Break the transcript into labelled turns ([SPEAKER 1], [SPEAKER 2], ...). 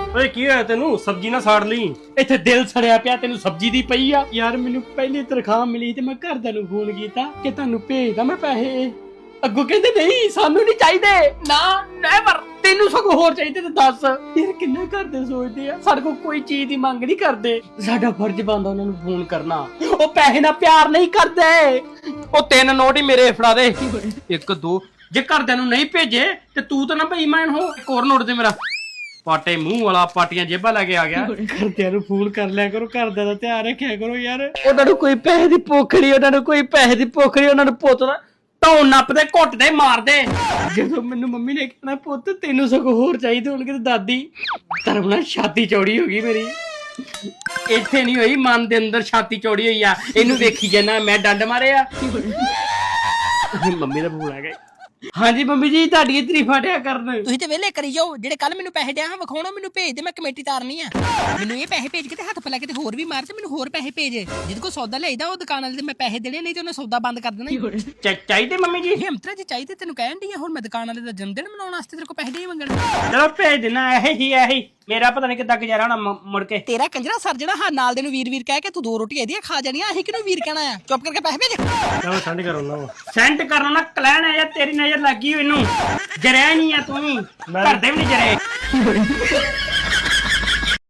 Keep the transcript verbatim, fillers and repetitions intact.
[SPEAKER 1] ਓਏ ਕੀ ਹੋਇਆ ਤੈਨੂੰ? ਸਬਜ਼ੀ ਨਾ ਸਾੜ ਲਈ।
[SPEAKER 2] ਇੱਥੇ ਦਿਲ ਸੜਿਆ ਪਿਆ, ਤੈਨੂੰ ਸਬਜ਼ੀ ਦੀ ਪਈ ਆ। ਯਾਰ ਮੈਨੂੰ ਪਹਿਲੀ ਤਨਖਾਹ ਮਿਲੀ ਤੇ ਮੈਂ ਘਰਦਿਆਂ ਨੂੰ ਫੋਨ ਕੀਤਾ ਕਿ ਤੁਹਾਨੂੰ ਭੇਜਦਾ ਮੈਂ ਪੈਸੇ। ਅੱਗੋਂ ਕਹਿੰਦੇ ਨਹੀਂ ਸਾਨੂੰ ਨਹੀਂ ਚਾਹੀਦੇ, ਨਾ ਨੈਵਰ, ਤੈਨੂੰ ਸਗੋਂ ਹੋਰ ਚਾਹੀਦੇ ਤੇ ਦੱਸ। ਯਾਰ ਕਿੰਨਾ ਘਰਦੇ ਸੋਚਦੇ ਆ, ਸਾਡੇ ਕੋਲ ਕੋਈ ਚੀਜ਼ ਦੀ ਮੰਗ ਨਹੀਂ ਕਰਦੇ। ਸਾਡਾ ਫਰਜ਼ ਬਣਦਾ ਉਹਨਾਂ ਨੂੰ ਫੋਨ ਕਰਨਾ। ਉਹ ਪੈਸੇ ਨਾਲ ਪਿਆਰ ਨਹੀਂ ਕਰਦੇ। ਉਹ ਤਿੰਨ ਨੋਟ ਹੀ ਮੇਰੇ ਫੜਾ ਦੇ, ਇੱਕ ਦੋ। ਜੇ ਘਰਦਿਆਂ ਨੂੰ ਨਹੀਂ ਭੇਜੇ ਤੇ ਤੂੰ ਤਾਂ ਨਾ ਬੇਈਮਾਨ ਹੋ। ਇੱਕ ਹੋਰ ਨੋਟ ਦੇ ਮੇਰਾ। ਪਾਟੇ ਮੂੰਹ ਵਾਲਾ, ਪਾਟੀਆਂ ਜੇਬਾਂ ਲੈ ਕੇ ਆ ਗਿਆ। ਘਰਦਿਆਂ ਨੂੰ ਫੋਨ ਕਰ ਲਿਆ ਕਰੋ, ਘਰਦਿਆਂ ਦਾ ਧਿਆਨ ਰੱਖਿਆ ਕਰੋ ਯਾਰ। ਉਹਨਾਂ ਨੂੰ ਕੋਈ ਪੈਸੇ ਦੀ ਭੁੱਖ ਨਹੀਂ, ਉਹਨਾਂ ਨੂੰ ਕੋਈ ਪੈਸੇ ਦੀ ਭੁੱਖ ਨਹੀਂ। ਉਹਨਾਂ ਨੂੰ ਪੁੱਤ ਦਾ ਢੋਣ ਨੱਪਦੇ, ਘੁੱਟਦੇ, ਮਾਰਦੇ। ਜਦੋਂ ਮੈਨੂੰ ਮੰਮੀ ਨੇ ਕਹਿਣਾ ਪੁੱਤ ਤੈਨੂੰ ਸਗੋਂ ਹੋਰ ਚਾਹੀਦੇ ਹੋਣਗੇ ਤੇ ਦਾਦੀ ਧਰਮ ਨਾਲ ਛਾਤੀ ਚੌੜੀ ਹੋ ਗਈ ਮੇਰੀ। ਇੱਥੇ ਨਹੀਂ ਹੋਈ, ਮਨ ਦੇ ਅੰਦਰ ਛਾਤੀ ਚੌੜੀ ਹੋਈ ਆ। ਇਹਨੂੰ ਵੇਖੀ ਜਾਣਾ ਮੈਂ ਡੰਡ ਮਾਰਿਆ। ਮੰਮੀ ਦਾ ਫੋਨ ਆ ਗਿਆ। ਹਾਂਜੀ ਮੰਮੀ ਜੀ ਤੁਹਾਡੀ ਤਾਰੀਫਾਂ ਡਿਆ ਕਰਨ।
[SPEAKER 3] ਤੁਸੀਂ ਤੇ ਵਿਹਲੇ ਕਰੀ ਜਾਓ। ਜਿਹੜੇ ਕੱਲ ਮੈਨੂੰ ਪੈਸੇ ਡਿਆ ਹਾਂ ਵਿਖਾਉਣਾ, ਮੈਨੂੰ ਭੇਜ ਦੇ, ਮੈਂ ਕਮੇਟੀ ਤਾਰਨੀ ਆ। ਮੈਨੂੰ ਇਹ ਪੈਸੇ ਭੇਜ ਕੇ ਤੇ ਹੱਥ ਪਲਾ ਕੇ ਤੇ ਹੋਰ ਵੀ ਮਾਰ ਤੇ ਮੈਨੂੰ ਹੋਰ ਪੈਸੇ ਭੇਜ। ਜਿਹਦੇ ਕੋਲ ਸੌਦਾ ਲਿਆਈਦਾ ਉਹ ਦੁਕਾਨ ਵਾਲੇ ਤੇ ਮੈਂ ਪੈਸੇ ਦੇਣੇ, ਨਹੀਂ ਤੇ ਉਹਨੇ ਸੌਦਾ ਬੰਦ ਕਰ ਦੇਣਾ।
[SPEAKER 2] ਚਾਹੀਦੇ ਮੰਮੀ ਜੀ?
[SPEAKER 3] ਹਿੰਮਤ ਜੀ ਚਾਹੀਦੇ, ਤੈਨੂੰ ਕਹਿਣ ਦੀ ਆ। ਹੁਣ ਮੈਂ ਦੁਕਾਨ ਵਾਲੇ ਦਾ ਜਨਮ ਦਿਨ ਮਨਾਉਣ ਵਾਸਤੇ ਤੇਰੇ ਕੋਲ ਪੈਸੇ ਨਹੀਂ ਮੰਗਣ।
[SPEAKER 2] ਚਲੋ ਭੇਜ ਦੇਣਾ। ਇਹ ਹੀ ਇਹੀ ਮੇਰਾ ਪਤਾ ਨਹੀਂ ਕਿੱਦਾਂ ਗੁਜ਼ਾਰਾ ਹੋਣਾ ਮੁੜ ਕੇ।
[SPEAKER 3] ਤੇਰਾ ਕੰਜਰਾ ਸਰ ਜਿਹੜਾ ਹਾਂ ਨਾਲ ਦੇ ਨੂੰ ਵੀਰ ਵੀਰ ਕਹਿ ਕੇ ਤੂੰ ਦੋ ਰੋਟੀਆਂ ਇਹਦੀਆਂ ਖਾ ਜਾਣੀਆਂ। ਅਸੀਂ ਕਿਹਨੂੰ ਵੀਰ ਕਹਿਣਾ ਆ? ਚੁੱਪ ਕਰਕੇ ਪੈਸੇ ਭੇਜ।
[SPEAKER 1] ਚਲੋ ਸੈਂਡ ਕਰੋ ਨਾ।
[SPEAKER 2] ਸੈਂਡ ਕਰਨਾ ਨਾ ਕਲੈਣ ਹੈ ਯਾਰ, ਤੇਰੀ ਨਜ਼ਰ ਲੱਗੀ ਹੋਈ ਇਹਨੂੰ। ਜਰਿਆ ਨਹੀਂ ਆ ਤੂੰ ਵੀ, ਘਰਦੇ ਵੀ ਨਹੀਂ ਜਰੇ।